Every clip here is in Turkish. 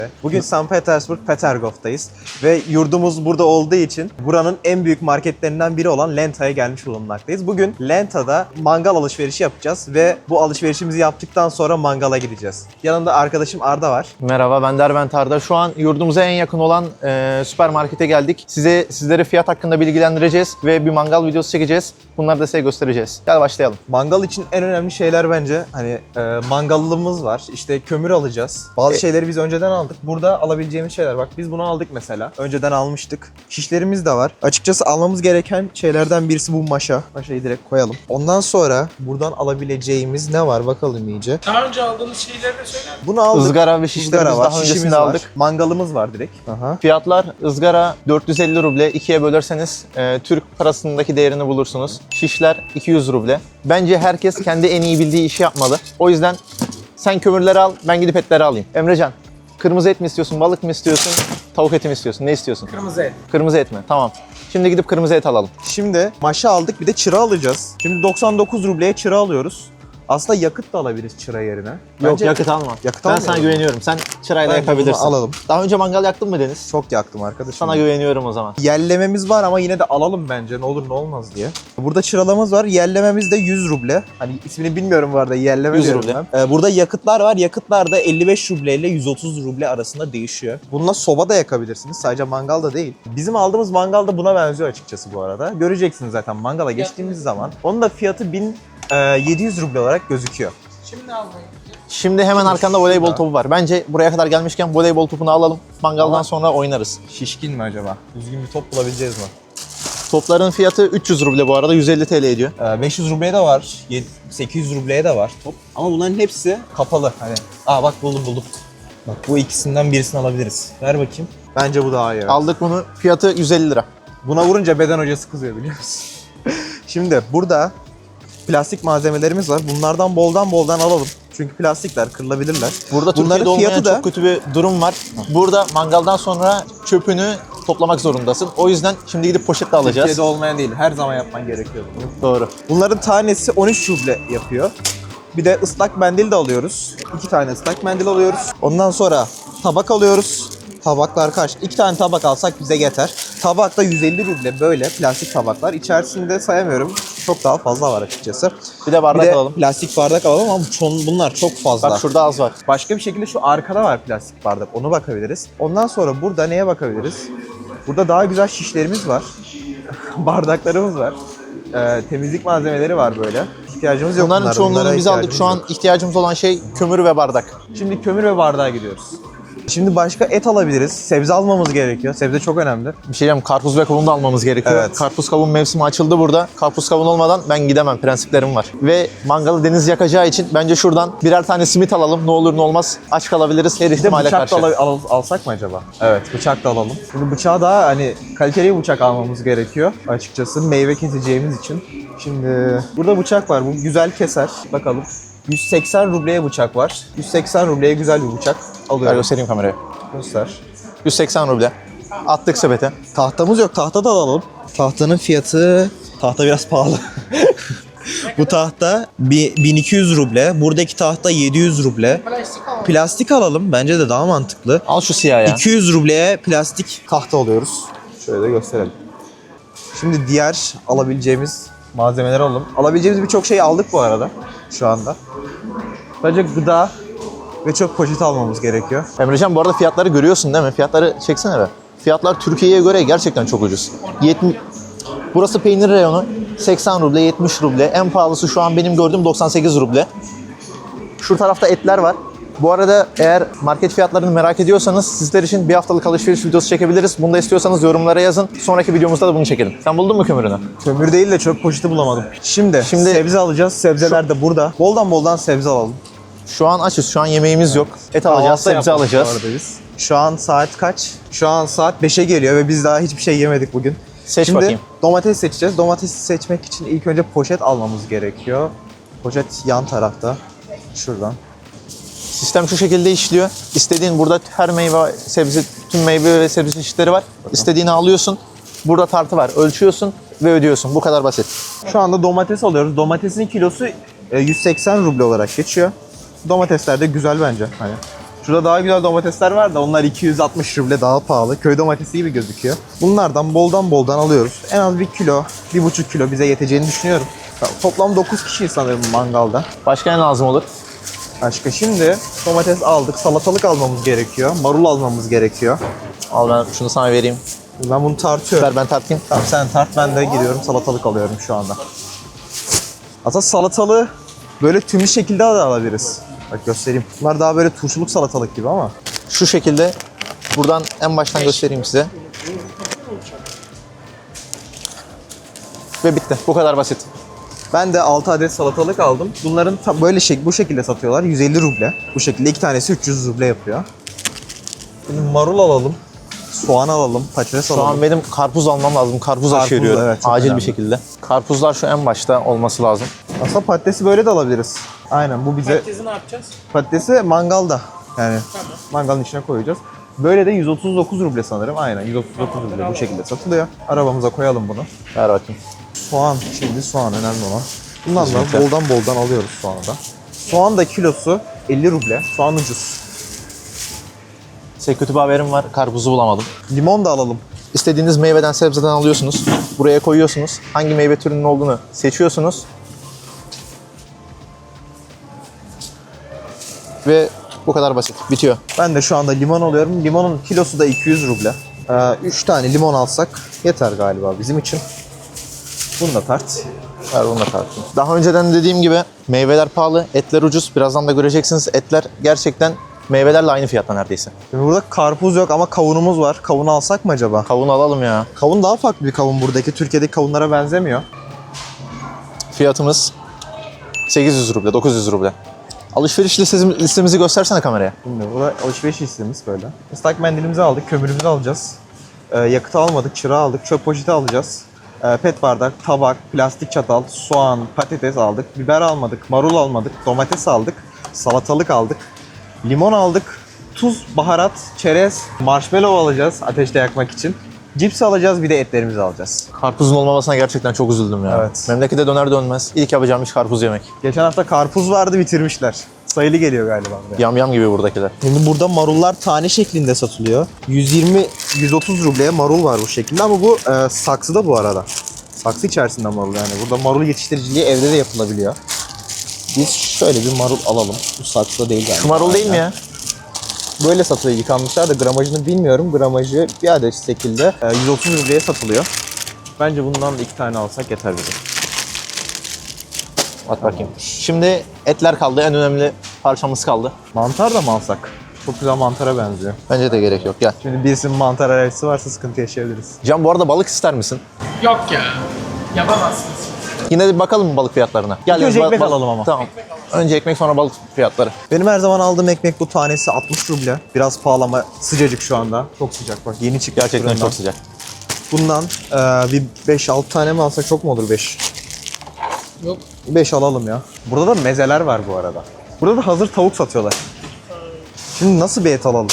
Bugün St. Petersburg, Petergov'tayız ve yurdumuz burada olduğu için buranın en büyük marketlerinden biri olan Lenta'ya gelmiş bulunmaktayız. Bugün Lenta'da mangal alışverişi yapacağız ve bu alışverişimizi yaptıktan sonra mangala gideceğiz. Yanımda arkadaşım Arda var. Merhaba, ben Derbent Arda. Şu an yurdumuza en yakın olan süpermarkete geldik. Sizlere fiyat hakkında bilgilendireceğiz ve bir mangal videosu çekeceğiz. Bunları da size göstereceğiz. Gel başlayalım. Mangal için en önemli şeyler bence mangallımız var. İşte kömür alacağız. Bazı şeyleri biz önceden aldık. Burada alabileceğimiz şeyler. Bak biz bunu aldık mesela. Önceden almıştık. Şişlerimiz de var. Açıkçası almamız gereken şeylerden birisi bu maşa. Maşayı direkt koyalım. Ondan sonra buradan alabileceğimiz ne var bakalım iyice. Daha önce aldığınız şeyleri de söyler misin? Bunu aldık. Izgara ve şişlerimiz var. daha Şişimiz öncesinde var. aldık. Mangalımız var direkt. Aha. Fiyatlar ızgara 450 ruble. 2'ye bölerseniz Türk parasındaki değerini bulursunuz. Şişler 200 ruble. Bence herkes kendi en iyi bildiği işi yapmalı. O yüzden sen kömürleri al, ben gidip etleri alayım. Emrecan, kırmızı et mi istiyorsun, balık mı istiyorsun, tavuk eti mi istiyorsun? Ne istiyorsun? Kırmızı et. Kırmızı et mi? Tamam. Şimdi gidip kırmızı et alalım. Şimdi maşa aldık, bir de çıra alacağız. Şimdi 99 rubleye çıra alıyoruz. Aslında yakıt da alabiliriz çıra yerine. Yok, Bence yakıt alma. yakıt Ben almayalım. sana güveniyorum. Sen çırayla Bence yakabilirsin. bunu alalım. Daha önce mangal yaktın mı Deniz? Çok yaktım arkadaşım. Sana güveniyorum o zaman. Yerlememiz var ama yine de alalım bence, ne olur ne olmaz diye. Burada çıralamız var. Yerlememiz de 100 ruble. Hani ismini bilmiyorum bu arada. Yerleme 100 diyorum ruble. ben. Burada yakıtlar var. Yakıtlar da 55 ruble ile 130 ruble arasında değişiyor. Bununla soba da yakabilirsiniz. Sadece mangal da değil. Bizim aldığımız mangal da buna benziyor açıkçası bu arada. Göreceksiniz zaten mangala geçtiğimiz zaman. Onun da fiyatı 1700 ruble olarak gözüküyor. Şimdi almayın. Şimdi hemen arkanda voleybol topu var. Bence buraya kadar gelmişken voleybol topunu alalım. Mangaldan sonra oynarız. Şişkin mi acaba? Düzgün bir top bulabileceğiz mi? Topların fiyatı 300 ruble bu arada. 150 TL ediyor. 500 rubleye de var. 800 rubleye de var top. Ama bunların hepsi kapalı. Hani bak buldum. Bak bu ikisinden birisini alabiliriz. Ver bakayım. Bence bu daha iyi. Aldık bunu. Fiyatı 150 lira. Buna vurunca beden hocası kızıyor biliyor musun? Şimdi burada plastik malzemelerimiz var. Bunlardan boldan alalım. Çünkü plastikler kırılabilirler. Burada Bunların Türkiye'de olmayan fiyatı da çok kötü bir durum var. Burada mangaldan sonra çöpünü toplamak zorundasın. O yüzden şimdi gidip poşetle alacağız. Türkiye'de olmayan değil. Her zaman yapman gerekiyor bunu. Doğru. Bunların tanesi 13 ruble yapıyor. Bir de ıslak mendil de alıyoruz. 2 tane ıslak mendil alıyoruz. Ondan sonra tabak alıyoruz. Tabaklar kaç? 2 tane tabak alsak bize yeter. Tabak da 150 ruble böyle plastik tabaklar. İçerisinde sayamıyorum. Çok daha fazla var açıkçası. Bir de bardak alalım. Plastik bardak alalım ama bunlar çok fazla. Bak şurada az var. Başka bir şekilde şu arkada var plastik bardak. Onu bakabiliriz. Ondan sonra burada neye bakabiliriz? Burada daha güzel şişlerimiz var. Bardaklarımız var. Temizlik malzemeleri var böyle. İhtiyacımız yok Bunların bunlara. çoğunluğunu Bunlara biz aldık. ihtiyacımız Şu an yok. ihtiyacımız olan şey kömür ve bardak. Şimdi kömür ve bardağa gidiyoruz. Şimdi başka et alabiliriz. Sebze almamız gerekiyor. Sebze çok önemli. Bir şey diyeyim, karpuz ve kavun da almamız gerekiyor. Evet. Karpuz kavun mevsimi açıldı burada. Karpuz kavun olmadan ben gidemem. Prensiplerim var. Ve mangalı Deniz yakacağı için bence şuradan birer tane simit alalım. Ne olur ne olmaz. Aç kalabiliriz her Bir de ihtimale bıçak karşı. da alsak mı acaba? Evet, bıçak da alalım. Şimdi bıçağı daha kaliteli bir bıçak almamız gerekiyor açıkçası meyve keseceğimiz için. Şimdi burada bıçak var. Bu güzel keser. Bakalım. 180 rubleye bıçak var. 180 rubleye güzel bir bıçak Ver alıyorum. göstereyim kameraya. Göster. 180 ruble. Attık sepete. Tahtamız yok. Tahta da alalım. Tahtanın fiyatı... Tahta biraz pahalı. Bu tahta 1200 ruble. Buradaki tahta 700 ruble. Plastik alalım. Plastik alalım. Bence de daha mantıklı. Al şu siyah ya. 200 rubleye plastik tahta alıyoruz. Şöyle de gösterelim. Şimdi diğer alabileceğimiz malzemeleri alalım. Alabileceğimiz birçok şey aldık bu arada şu anda. Sadece gıda ve çöp poşeti almamız gerekiyor. Emrecan bu arada fiyatları görüyorsun değil mi? Fiyatları çeksene be. Fiyatlar Türkiye'ye göre gerçekten çok ucuz. Burası peynir reyonu. 80 ruble, 70 ruble. En pahalısı şu an benim gördüğüm 98 ruble. Şu tarafta etler var. Bu arada eğer market fiyatlarını merak ediyorsanız sizler için bir haftalık alışveriş videosu çekebiliriz. Bunu da istiyorsanız yorumlara yazın. Sonraki videomuzda da bunu çekelim. Sen buldun mu kömürünü? Kömür değil de çöp poşeti bulamadım. Şimdi sebze alacağız. Sebzeler de burada. Boldan sebze alalım. Şu an açız. Şu an yemeğimiz yok. Et alacağız, Kahvaltı sebze yapmadık alacağız. bu arada biz. Şu an saat kaç? Şu an saat 5'e geliyor ve biz daha hiçbir şey yemedik bugün. Seç Şimdi bakayım. domates seçeceğiz. Domatesi seçmek için ilk önce poşet almamız gerekiyor. Poşet yan tarafta. Şuradan. Sistem şu şekilde işliyor. İstediğin burada her meyve, sebze, tüm meyve ve sebze çeşitleri var. İstediğini alıyorsun. Burada tartı var. Ölçüyorsun ve ödüyorsun. Bu kadar basit. Şu anda domates alıyoruz. Domatesin kilosu 180 ruble olarak geçiyor. Domatesler de güzel bence. Hani Şurada daha güzel domatesler var da onlar 260 ruble daha pahalı. Köy domatesi gibi gözüküyor. Bunlardan boldan alıyoruz. En az 1 kilo, 1,5 kilo bize yeteceğini düşünüyorum. Toplam 9 kişiyiz sanırım mangalda. Başka ne lazım olur? Başka şimdi domates aldık, salatalık almamız gerekiyor, marul almamız gerekiyor. Al ben şunu sana vereyim. Ben bunu tartıyorum. Ver ben tartayım. Tamam sen tart, ben de gidiyorum salatalık alıyorum şu anda. Aslında salatalığı böyle tümlü şekilde de alabiliriz. Bak göstereyim. Bunlar daha böyle turşuluk salatalık gibi ama. Şu şekilde buradan en baştan göstereyim size. Ve bitti. Bu kadar basit. Ben de 6 adet salatalık aldım. Bunların böyle bu şekilde satıyorlar. 150 ruble. Bu şekilde 2 tanesi 300 ruble yapıyor. Şimdi marul alalım. Soğan alalım, patates Şu alalım. an benim karpuz almam lazım. Karpuz Karpuz, aşeriyorum. evet, çok Acil önemli. bir şekilde. Karpuzlar şu en başta olması lazım. Aslında patatesi böyle de alabiliriz. Aynen bu bize Patatesi ne yapacağız? patatesi mangalda. Yani mangalın içine koyacağız. Böyle de 139 ruble sanırım. Aynen 139 ruble bu şekilde satılıyor. Arabamıza koyalım bunu. Ver bakayım. Soğan, şimdi soğan önemli olan. Bundan da Kesinlikle. boldan alıyoruz soğanı da. Soğan da kilosu 50 ruble. Soğan ucuz. Size kötü bir haberim var. Karpuzu bulamadım. Limon da alalım. İstediğiniz meyveden sebzeden alıyorsunuz. Buraya koyuyorsunuz. Hangi meyve türünün olduğunu seçiyorsunuz. Ve bu kadar basit. Bitiyor. Ben de şu anda limon alıyorum. Limonun kilosu da 200 ruble. 3 tane limon alsak yeter galiba bizim için. Bunu da tart. Ver bunu da tartayım. Daha önceden dediğim gibi meyveler pahalı, etler ucuz. Birazdan da göreceksiniz. Etler gerçekten meyvelerle aynı fiyatta neredeyse. Şimdi burada karpuz yok ama kavunumuz var. Kavun alsak mı acaba? Kavun alalım ya. Kavun daha farklı bir kavun buradaki. Türkiye'deki kavunlara benzemiyor. Fiyatımız 800 ruble, 900 ruble. Alışveriş listemizi göstersene kameraya. Şimdi burada alışveriş listemiz böyle. Islak mendilimizi aldık, kömürümüzü alacağız. Yakıtı almadık, çırağı aldık, çöp poşeti alacağız. Pet bardak, tabak, plastik çatal, soğan, patates aldık. Biber almadık, marul almadık, domates aldık, salatalık aldık. Limon aldık, tuz, baharat, çerez, marshmallow alacağız ateşte yakmak için. Cips alacağız, bir de etlerimizi alacağız. Karpuzun olmamasına gerçekten çok üzüldüm ya. Evet. Memlekete döner dönmez ilk yapacağım iş karpuz yemek. Geçen hafta karpuz vardı, bitirmişler. Sayılı geliyor galiba buraya. Yam yam gibi buradakiler. Şimdi burada marullar tane şeklinde satılıyor. 120-130 rubleye marul var bu şekilde ama bu saksıda bu arada. Saksı içerisinde marul yani. Burada marul yetiştiriciliği evde de yapılabiliyor. Biz şöyle bir marul alalım. Bu saksıda değil galiba. Şu marul değil mi ya? Böyle satılıyor, yıkanmışlar da gramajını bilmiyorum. Gramajı bir adet şekilde 130 rubleye satılıyor. Bence bundan da 2 tane alsak yeter bize. At bakayım. Şimdi etler kaldı. En önemli parçamız kaldı. Mantar da mı alsak? Çok güzel mantara benziyor. Bence de gerek yok. Gel. Şimdi birisinin mantar alerjisi varsa sıkıntı yaşayabiliriz. Can bu arada balık ister misin? Yok ya. Yapamazsınız. Yine de bakalım mı balık fiyatlarına? Gel. önce ba- ekmek ba- alalım ama. Tamam. Önce ekmek sonra balık fiyatları. Benim her zaman aldığım ekmek bu tanesi 60 ruble. Biraz pahalı ama sıcacık şu anda. Çok sıcak bak, yeni çıktı Gerçekten fırından. çok sıcak. Bundan bir 5-6 tane mi alsak çok mu olur 5? Yok. 5 alalım ya. Burada da mezeler var bu arada. Burada da hazır tavuk satıyorlar. Şimdi nasıl bir et alalım?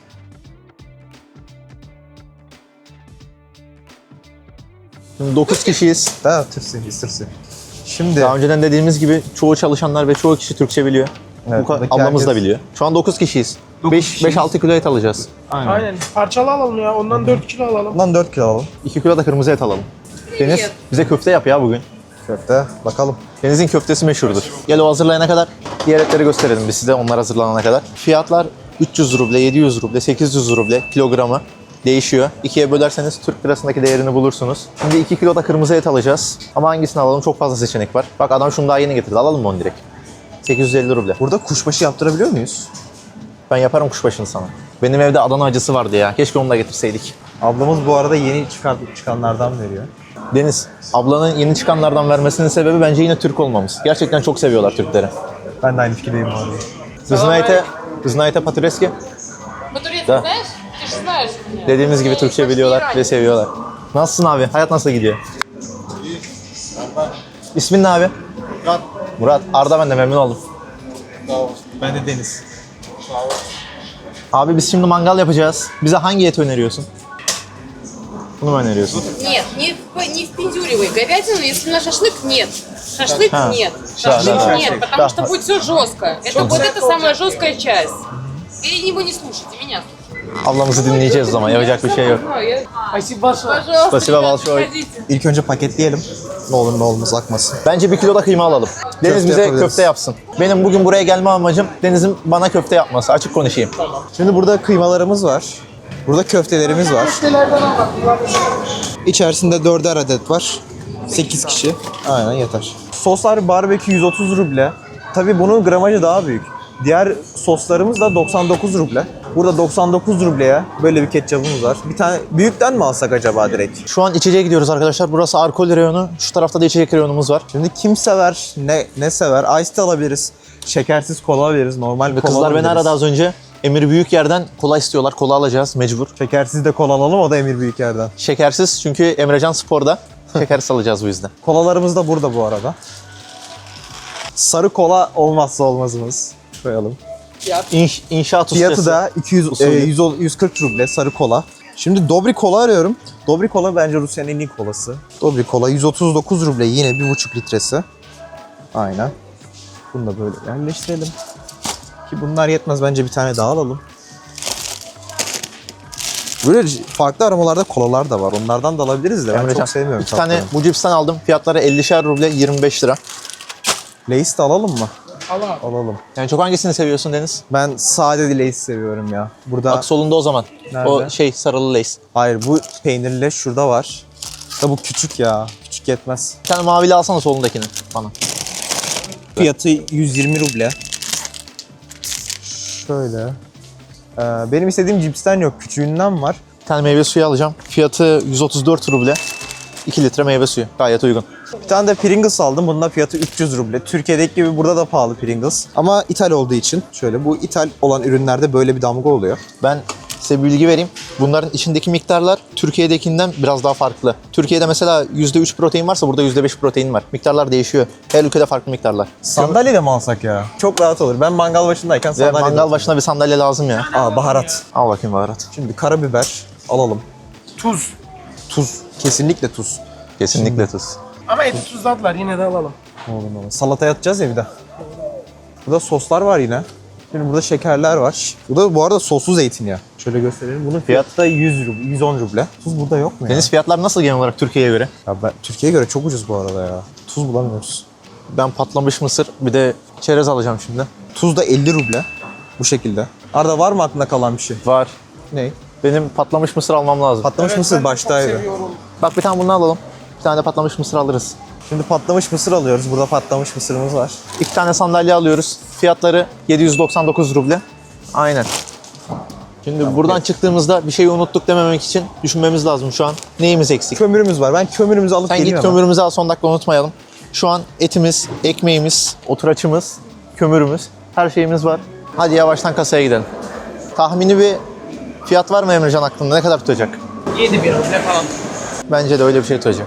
Şimdi 9 kişiyiz. Ha, tırsın. Şimdi Daha önceden dediğimiz gibi çoğu çalışanlar ve çoğu kişi Türkçe biliyor. Evet, buradaki Ablamız da herkes- biliyor. Şu an 9 kişiyiz. 9 kişiyiz. 5-6 kilo et alacağız. Aynen. Parçalı alalım ya. Ondan 4 kilo alalım. bundan 4 kilo alalım. 2 kilo da kırmızı et alalım. Deniz bize köfte yap ya bugün. Köfte bakalım. Deniz'in köftesi meşhurdur. Gel o hazırlayana kadar diğer etleri gösterelim biz size onlar hazırlanana kadar. Fiyatlar 300 ruble, 700 ruble, 800 ruble kilogramı değişiyor. İkiye bölerseniz Türk lirasındaki değerini bulursunuz. Şimdi 2 kilo da kırmızı et alacağız. Ama hangisini alalım? Çok fazla seçenek var. Bak adam şunu daha yeni getirdi. Alalım mı onu direkt? 850 ruble. Burada kuşbaşı yaptırabiliyor muyuz? Ben yaparım kuşbaşını sana. Benim evde Adana acısı vardı ya. Keşke onu da getirseydik. Ablamız bu arada yeni çıkanlardan veriyor. Deniz, ablanın yeni çıkanlardan vermesinin sebebi bence yine Türk olmamız. Gerçekten çok seviyorlar Türkleri. Ben de aynı fikirdeyim bu arada. Вы знаете по-турецки? По-турецки Да. знаешь? Ты же знаешь меня. Dediğimiz gibi Türkçe biliyorlar ve seviyorlar. Nasılsın abi? Hayat nasıl gidiyor? İsmin ne abi? Murat. Murat. Arda, ben de memnun oldum. Ben de Deniz. Abi biz şimdi mangal yapacağız. Bize hangi eti öneriyorsun? Bunu mu öneriyorsun? Нет, не впендюривай. Говядину, если на шашлык, нет. Шашлык А, нет. да, Шашлык да. нет, Да. потому что будет все жестко. Это вот это самая жесткая часть. Или его не слушайте, меня слушайте. Ablamızı dinleyeceğiz o zaman. Yapacak bir şey yok. Спасибо большое. Пожалуйста, Спасибо ребята, большое. приходите. İlk önce paketleyelim. Ne olur ne olmaz akmasın. Bence 1 kilo da kıyma alalım. Deniz Köfte bize yapabiliriz. köfte yapsın. Benim bugün buraya gelme amacım Deniz'in bana köfte yapması. Açık konuşayım. Şimdi burada kıymalarımız var. Burada köftelerimiz var. Köftelerden al bak. İçerisinde 4'er adet var. 8 kişi. Aynen yeter. Soslar barbekü 130 ruble. Tabii bunun gramajı daha büyük. Diğer soslarımız da 99 ruble. Burada 99 rubleye böyle bir ketçabımız var. Bir tane büyükten mi alsak acaba direkt? Şu an içeceğe gidiyoruz arkadaşlar. Burası alkol reyonu. Şu tarafta da içecek reyonumuz var. Şimdi kim sever, ne sever? Ice tea alabiliriz. Şekersiz kola alabiliriz. Normal Ve kola kızlar beni alabiliriz. aradı az önce. Emir Büyükyer'den kola istiyorlar. Kola alacağız mecbur. Şekersiz de kola alalım, o da Emir Büyükyer'den. Şekersiz çünkü Emrecan Spor'da. Şekersiz alacağız bu yüzden. Kolalarımız da burada bu arada. Sarı kola olmazsa olmazımız. Koyalım. İnşaat ustası. Fiyatı da 140 ruble sarı kola. Şimdi Dobry kola arıyorum. Dobry kola bence Rusya'nın en iyi kolası. Dobry kola 139 ruble, yine 1,5 litresi. Aynen. Bunu da böyle yerleştirelim. Ki bunlar yetmez, bence bir tane daha alalım. Böyle farklı aromalarda kolalar da var. Onlardan da alabiliriz de ben Emrecan, çok sevmiyorum. 2 tane tatlarını. bu cipsten aldım. Fiyatları 50'şer ruble, 25 lira. Lay's de alalım mı? Al abi. Alalım. Yani çok hangisini seviyorsun Deniz? Ben sade Lay's seviyorum ya. Burada Bak solunda o zaman. Nerede? O sarılı lace. hayır, bu peynirli şurada var. Da bu küçük ya. Küçük yetmez. Bir tane mavili alsana solundakini bana. Fiyatı 120 ruble. Şöyle. Benim istediğim cipsten yok. Küçüğünden var. Bir tane meyve suyu alacağım. Fiyatı 134 ruble. 2 litre meyve suyu. Gayet uygun. Bir tane de Pringles aldım. Bunun da fiyatı 300 ruble. Türkiye'deki gibi burada da pahalı Pringles. Ama ithal olduğu için şöyle, bu ithal olan ürünlerde böyle bir damga oluyor. Ben size bir bilgi vereyim. Bunların içindeki miktarlar Türkiye'dekinden biraz daha farklı. Türkiye'de mesela %3 protein varsa burada %5 protein var. Miktarlar değişiyor. Her ülkede farklı miktarlar. Sandalye de mi alsak ya? Çok rahat olur. Ben mangal başındayken Ve sandalye mangal başına bir sandalye lazım ya. baharat. Al bakayım baharat. Şimdi karabiber alalım. Tuz. Tuz. Kesinlikle tuz. Kesinlikle tuz. Ama eti tuzladılar, yine de alalım. Oğlum. Salataya atacağız ya bir de. Burada soslar var yine. Şimdi burada şekerler var. Bu da bu arada soslu zeytinyağı. Şöyle gösterelim. Bunun fiyatı da 100 ruble, 110 ruble. Tuz burada yok mu ya? Deniz fiyatlar nasıl genel olarak Türkiye'ye göre? Ya Türkiye'ye göre çok ucuz bu arada ya. Tuz bulamıyoruz. Ben patlamış mısır bir de çerez alacağım şimdi. Tuz da 50 ruble. Bu şekilde. Arda, var mı aklında kalan bir şey? Var. Ne? Benim patlamış mısır almam lazım. Patlamış mısır ben de çok baştaydı. seviyorum. Bak bir tane bunu alalım. Bir tane de patlamış mısır alırız. Şimdi patlamış mısır alıyoruz. Burada patlamış mısırımız var. 2 tane sandalye alıyoruz. Fiyatları 799 ruble. Aynen. Şimdi buradan çıktığımızda bir şeyi unuttuk dememek için düşünmemiz lazım şu an. Neyimiz eksik? Kömürümüz var. Ben kömürümüzü alıp Sen geleyim git hemen. kömürümüzü al, son dakika unutmayalım. Şu an etimiz, ekmeğimiz, oturaçımız, kömürümüz, her şeyimiz var. Hadi yavaştan kasaya gidelim. Tahmini bir fiyat var mı Emrecan aklında? Ne kadar tutacak? 7 bir ruble falan. Bence de öyle bir şey tutacak.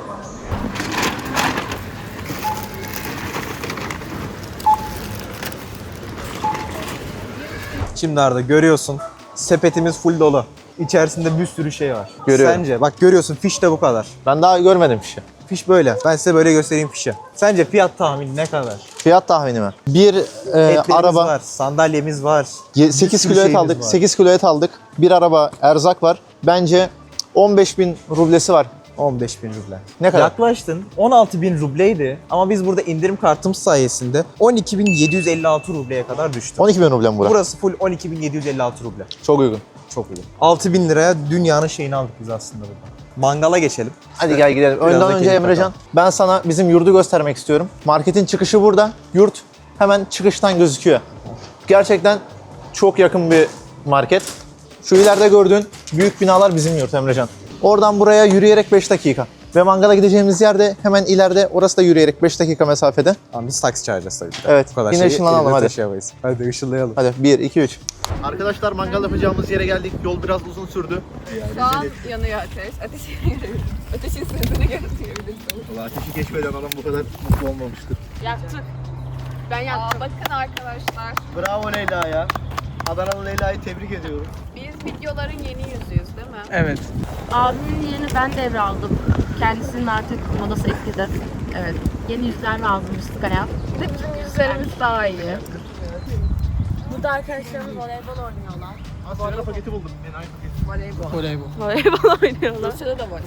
Şimdi Arda görüyorsun. Sepetimiz full dolu. İçerisinde bir sürü şey var. Görüyorum. Sence? Bak görüyorsun, fiş de bu kadar. Ben daha görmedim fişi. Fiş böyle. Ben size böyle göstereyim fişi. Sence fiyat tahmini ne kadar? Fiyat tahmini mi? Bir Etlerimiz araba, var, sandalyemiz var. 8 Bir sürü kilo et şeyimiz aldık. var. 8 kilo et aldık. Bir araba erzak var. Bence 15.000 rublesi var. 15.000 ruble. Ne kadar? Yaklaştın. 16.000 rubleydi ama biz burada indirim kartımız sayesinde 12.756 rubleye kadar düştü. 12.000 ruble mi bura? Burası full 12.756 ruble. Çok uygun. Çok iyi. 6.000 liraya dünyanın şeyini aldık biz aslında burada. Mangala geçelim. Hadi gel gidelim. Biraz Önden da önce keyif Emrecan, bakalım. ben sana bizim yurdu göstermek istiyorum. Marketin çıkışı burada. Yurt hemen çıkıştan gözüküyor. Gerçekten çok yakın bir market. Şu ileride gördüğün büyük binalar bizim yurt Emrecan. Oradan buraya yürüyerek 5 dakika. Ve mangala gideceğimiz yerde hemen ileride, orası da yürüyerek 5 dakika mesafede. Tamam, biz taksi çağıracağız tabii ki. Evet, Bu kadar yine şeyi ışınlanalım, elimizde hadi. taşıyamayız. Hadi ışınlayalım. Hadi 1, 2, 3. Arkadaşlar mangal yapacağımız yere geldik. Yol biraz uzun sürdü. Şu an yanıyor ateş. Ateşi görebiliriz. Ateşin sırtını görebiliriz. Valla ateşi geçmeden adam bu kadar mutlu olmamıştır. Yaktık. Ben yaktım. Bakın arkadaşlar. Bravo Leyla ya. Adanalı Leyla'yı tebrik ediyorum. Biz videoların yeni yüzüyüz değil mi? Evet. Abimin yerini ben devraldım. Kendisinin artık modası eskidi. Evet. Yeni yüzler lazım Müslük Hayat. Bir de bizim yüzlerimiz daha iyi. Burada arkadaşlarımız voleybol oynuyorlar. Sigara paketi buldum. Enayi paketi. Voleybol. Voleybol oynuyorlar. Rusya'da da var.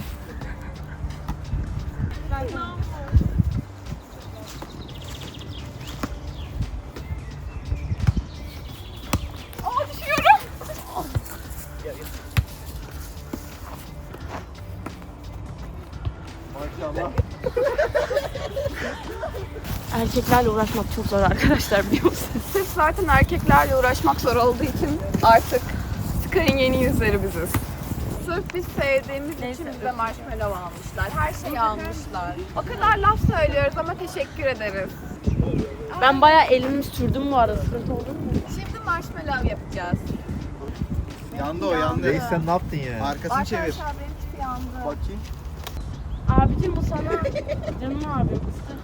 Erkeklerle uğraşmak çok zor arkadaşlar, biliyor musunuz? Sırf zaten erkeklerle uğraşmak zor olduğu için artık Sky'ın yeni yüzleri biziz. Sırf biz sevdiğimiz için bize marshmallow almışlar. Her şeyi almışlar. O kadar laf söylüyoruz ama teşekkür ederiz. Ben bayağı elimi sürdüm bu arada. Sıkıntı oldu mu? Şimdi marshmallow yapacağız. Yandı o yandı. Reis sen ne yaptın ya? Arkasını çevir. Arkadaşlar benim tipi yandı. Bakayım. Abicim bu sana. Canım abim.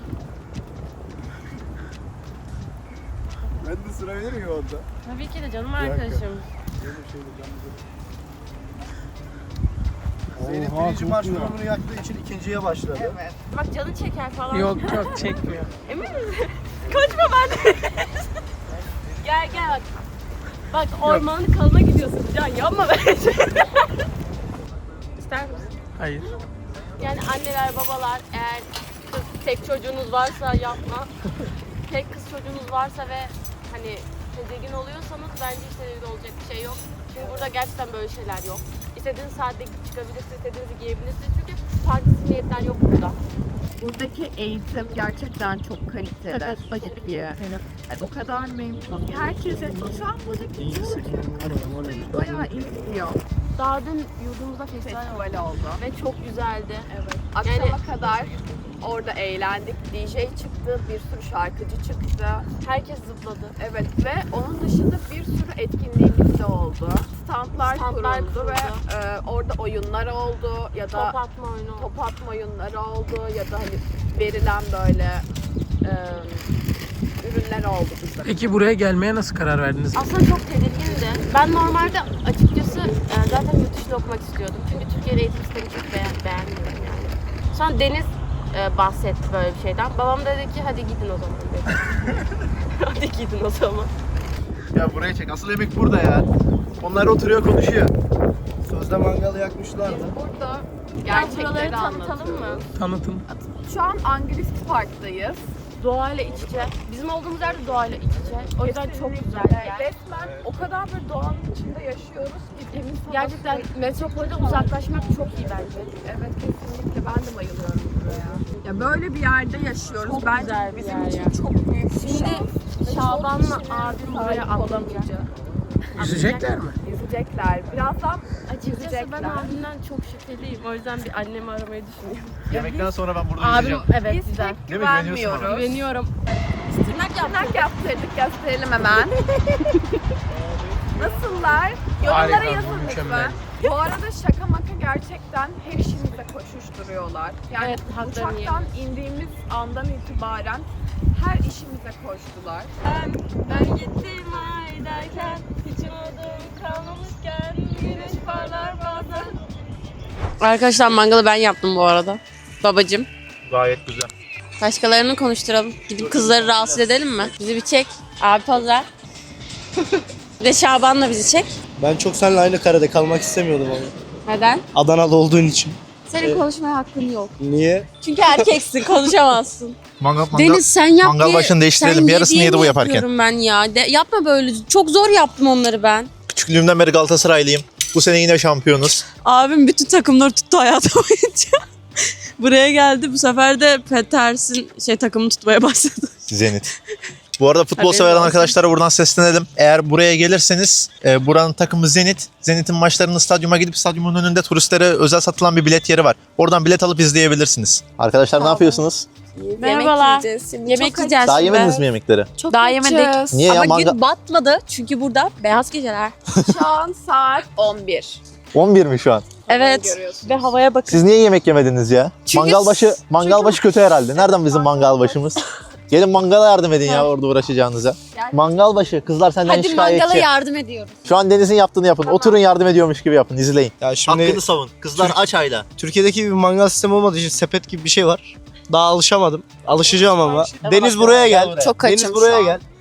Ben de sırabilir miyim orada? Tabii ki de canım arkadaşım. Zeynep birinci marshmallow'unu yaktığı için ikinciye başladı. Evet. Bak canı çeker falan. Yok yok çekmiyor. Emin misin? Kaçma ben de. Gel gel bak. Bak ormanın kalına gidiyorsun. Can yapma bence. İster misin? Hayır. Yani anneler, babalar, eğer kız tek çocuğunuz varsa yapma. Tek kız çocuğunuz varsa ve hani tedirgin oluyorsanız bence hiç tedirgin olacak bir şey yok. Çünkü burada gerçekten böyle şeyler yok. İstediğiniz saatte çıkabilirsiniz, istediğinizi giyebilirsiniz. Çünkü farklı zihniyetler yok burada. Buradaki eğitim gerçekten çok kaliteli. Evet, Çok iyi. Yani o kadar memnunum. Herkese şu an müzik bayağı iyi gidiyor. Daha dün yurdumuzda festival Festival oldu. ve çok güzeldi. Evet. Akşama kadar orada eğlendik. DJ çıktı, bir sürü şarkıcı çıktı. Herkes zıpladı. Evet ve onun dışında bir sürü etkinliğimiz de oldu. Standlar kuruldu ve orada oyunlar oldu ya da Top atma oyunu. top atma oyunları oldu ya da hani verilen böyle ürünler oldu bize. Peki buraya gelmeye nasıl karar verdiniz? Aslında çok tedirgindi. Ben normalde açıkçası zaten yurt dışında okumak istiyordum. Çünkü Türkiye'de eğitim sistemi çok beğenmiyorum yani. Sonra Deniz bahsetti böyle bir şeyden. Babam dedi ki hadi gidin o zaman dedi. Hadi gidin o zaman. Ya buraya çek. Asıl yemek burada ya. Onlar oturuyor konuşuyor. Sözde mangalı yakmışlardı. Burada Buraları gerçekleri tanıtalım anlatıyoruz. mı? Tanıtım. Şu an Anglist Park'tayız. Doğayla iç içe. Bizim olduğumuz yerde doğayla iç içe. O yüzden çok güzel bir yer. Resmen o kadar bir doğanın içinde yaşıyoruz ki temiz hava Gerçekten metropolden uzaklaşmak çok iyi bence. Evet kesinlikle ben de bayılıyorum buraya. Ya böyle bir yerde yaşıyoruz. Çok Bence güzel bir bizim yer için ya. çok büyük bir Şimdi şans. Şaban'la Çok kişinin abim buraya sahip atlamayacak. olamayacak. Yüzecekler mi? Yüzecekler. Birazdan Açıkçası ben yüzecekler. abimden çok şüpheliyim. O yüzden bir annemi aramayı düşünüyorum. Yemekten sonra ben burada Abim yüzeceğim. evet Biz güzel. pek Değil mi? Güveniyorsun güvenmiyoruz. Güveniyorum. Tırnak yaptırdık gösterelim hemen. Nasıllar? Yorumlara Harika, yazın mükemmel. lütfen. Bu arada şaka maka gerçekten her işimize koşuşturuyorlar. Yani Evet, haklarını uçaktan indiğimiz andan itibaren her işimize koştular. Ben gittim ay derken hiç umudum kalmamışken güneş parlar bazen. Arkadaşlar mangalı ben yaptım bu arada. Babacım. Gayet güzel. Başkalarını konuşturalım. Gidip kızları rahatsız edelim mi? Bizi bir çek. Abi poz ver. Bir de Şaban'la bizi çek. Ben çok seninle aynı karede kalmak istemiyordum ama. Neden? Adanalı olduğun için. Senin konuşmaya hakkın yok. Niye? Çünkü erkeksin, konuşamazsın. Mangal Deniz sen yap mangal diye- başını değiştirelim. sen Bir yarısını diye yedi bu mi yaparken. yapıyorum ben ya. Yapma böyle. Çok zor yaptım onları ben. Küçüklüğümden beri Galatasaraylıyım. Bu sene yine şampiyonuz. Abim bütün takımları tuttu hayatı boyunca. Buraya geldi. Bu sefer de Peters'in takımını tutmaya başladı. Zenit. Bu arada futbol Haberin sever olsun. arkadaşlara buradan seslenelim. Eğer buraya gelirseniz buranın takımı Zenit. Zenit'in maçlarını stadyuma gidip stadyumun önünde turistlere özel satılan bir bilet yeri var. Oradan bilet alıp izleyebilirsiniz. Arkadaşlar ne yapıyorsunuz? Merhabalar. yiyeceğiz şimdi. Yemek yiyeceğiz Daha şimdi. yemediniz mi yemekleri? Çok Daha açız. yemedik. Niye ya? Ama gün batmadı çünkü burada beyaz geceler. Şu an saat 11. 11 mi şu an? Evet. görüyorsunuz. Ve havaya bakın. Siz niye yemek yemediniz ya? Çünkü- Mangal başı kötü herhalde. Nereden bizim mangal başımız? Gelin mangala yardım edin ya orada uğraşacağınıza. Mangal başı. Kızlar senden Hadi şikayetçi. mangala yardım ediyoruz. Şu an Deniz'in yaptığını yapın. Oturun yardım ediyormuş gibi yapın. İzleyin. Ya şimdi Hakkını savun. Kızlar aç hala. Türkiye'deki bir mangal sistemi olmadığı için sepet gibi bir şey var. Daha alışamadım. Alışacağım ama. Deniz buraya Gel gel. buraya. Çok Deniz açım buraya şu an. gel.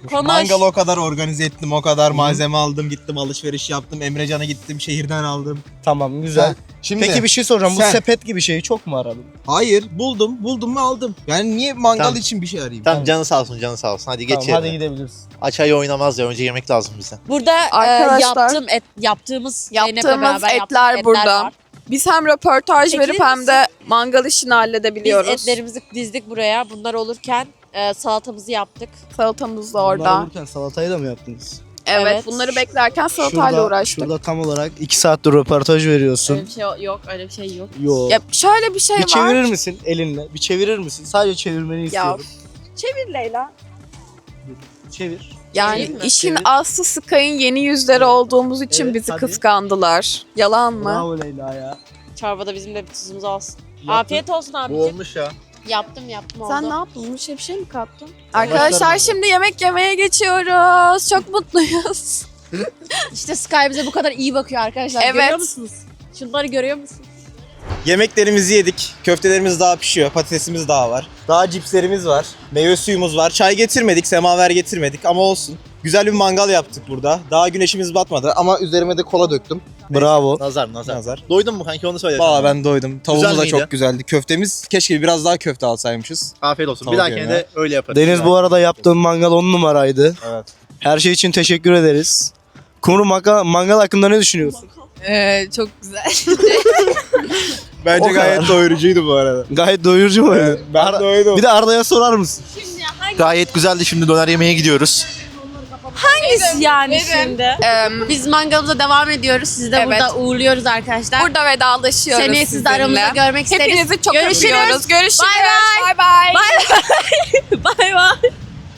Konuş. Mangalı o kadar organize ettim, o kadar malzeme aldım, gittim alışveriş yaptım. Emrecan'a gittim, şehirden aldım. Tamam güzel. Şimdi Peki bir şey soracağım. sen- Bu sepet gibi şeyi çok mu aradın? hayır, buldum mu aldım. Yani niye mangal Tamam. için bir şey arayayım? Tamam canı sağ olsun canı sağ olsun. Hadi geç Tamam, yerine. hadi gidebiliriz. Aç ayı oynamaz ya önce yemek lazım bize. Burada Arkadaşlar, yaptığımız Zeynep'le Yaptığımız beraber etler yaptığımız burada. var. Biz hem röportaj Çekilir verip hem misin? de mangal işini halledebiliyoruz. Biz etlerimizi dizdik buraya. Bunlar olurken salatamızı yaptık. Salatamız da Bunlar orada. olurken salatayı da mı yaptınız? Evet, Evet. bunları beklerken salatayla uğraştık. Şurada tam olarak 2 saattir röportaj veriyorsun. Öyle bir şey yok, öyle bir şey yok. Yo. Ya şöyle bir şey Bir var. çevirir misin elinle? Bir çevirir misin? Sadece çevirmeni Ya istiyorum. çevir Leyla. Çevir. Yani Çevireyim mi? işin Çevir. aslı Sky'ın yeni yüzleri olduğumuz için Evet, bizi hadi. kıskandılar. Yalan mı? Bravo Leyla ya. Çorbada bizim de bir tuzumuz olsun. Yaptın. Afiyet olsun Bu abiciğim. olmuş ya. Yaptım oldu. Sen ne yaptın? Bir şey mi kattın? Arkadaşlar şimdi yemek yemeye geçiyoruz. Çok mutluyuz. İşte Sky bize bu kadar iyi bakıyor arkadaşlar. Evet. Görüyor musunuz? Şunları görüyor musunuz? Yemeklerimizi yedik. Köftelerimiz daha pişiyor. Patatesimiz daha var. Daha cipslerimiz var. Meyve suyumuz var. Çay getirmedik, semaver getirmedik ama olsun. Güzel bir mangal yaptık burada. Daha güneşimiz batmadı ama üzerime de kola döktüm. Bravo. Nazar. Nazar. Doydun mu kanki onu söyle. Valla ben doydum. Tavuğumuz Güzel da miydi? çok güzeldi. Köftemiz keşke biraz daha köfte alsaymışız. Afiyet olsun. Tavuk Bir dahakine yerine. de öyle yaparız. Deniz bu arada yaptığın mangal 10 numaraydı. Evet. Her şey için teşekkür ederiz. Kumru mangal hakkında ne düşünüyorsun? Çok güzel. Bence O kadar. gayet doyurucuydu bu arada. Gayet doyurucu mu? Ben doydum. Bir de Arda'ya sorar mısın? Gayet güzeldi. Şimdi döner yemeye gidiyoruz. Yani şimdi. Biz mangalımıza devam ediyoruz. Sizi de Evet. burada uğurluyoruz arkadaşlar. Burada vedalaşıyoruz Seneye sizi de sizinle. aramızda görmek isteriz. Hepinizi çok Görüşürüz. öpüyoruz. Görüşürüz. Bay bay. Bay bay. Bay bay.